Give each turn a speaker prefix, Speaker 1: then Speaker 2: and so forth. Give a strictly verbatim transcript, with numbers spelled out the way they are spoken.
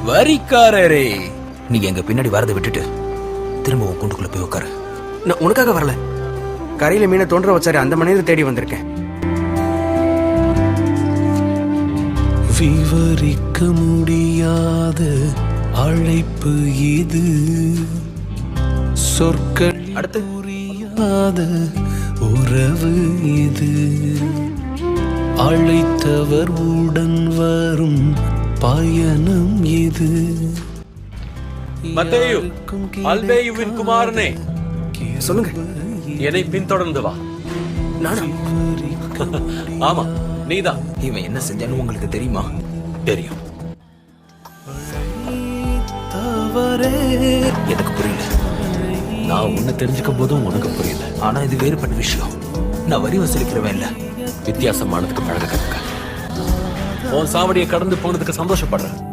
Speaker 1: வரிக்காரரே, நீங்க எங்க பின்னாடி வரதை விட்டுட்டு திரும்ப உன் கூண்டுக்குள்ள போய் உட்காரு.
Speaker 2: நான் உனக்காக வரல, கரையில மீனை தோன்ற வச்சாரு அந்த மனிதரை தேடி வந்திருக்கேன்.
Speaker 3: விவரிக்க முடியாத அழைப்பு இது, சொற்கள்
Speaker 1: அடுத்து
Speaker 3: புரியாத உறவு இது, அழைத்தவர் உடன் வரும் பயணம் இது.
Speaker 4: மத்தேயு, அல்பேயுவின் குமாரனே,
Speaker 2: சொல்லுங்க.
Speaker 4: என்னை பின்தொடர்ந்து வா.
Speaker 2: நானா?
Speaker 4: ஆமா, நீதான்.
Speaker 1: இவன் என்ன செஞ்சான்னு உங்களுக்கு தெரியுமா?
Speaker 4: தெரியும்.
Speaker 1: எனக்கு புரியல.
Speaker 4: நான் உன்னை தெரிஞ்சுக்கும் போதும் உனக்கு புரியல.
Speaker 1: ஆனா இது வேறுபட்ட விஷயம். நான் வரி வசூலிக்கிறவன் இல்ல.
Speaker 4: வித்தியாசமானதுக்கு பழக கத்துக்க. உன் சாவடியை கடந்து போனதுக்கு சந்தோஷப்படுறேன்.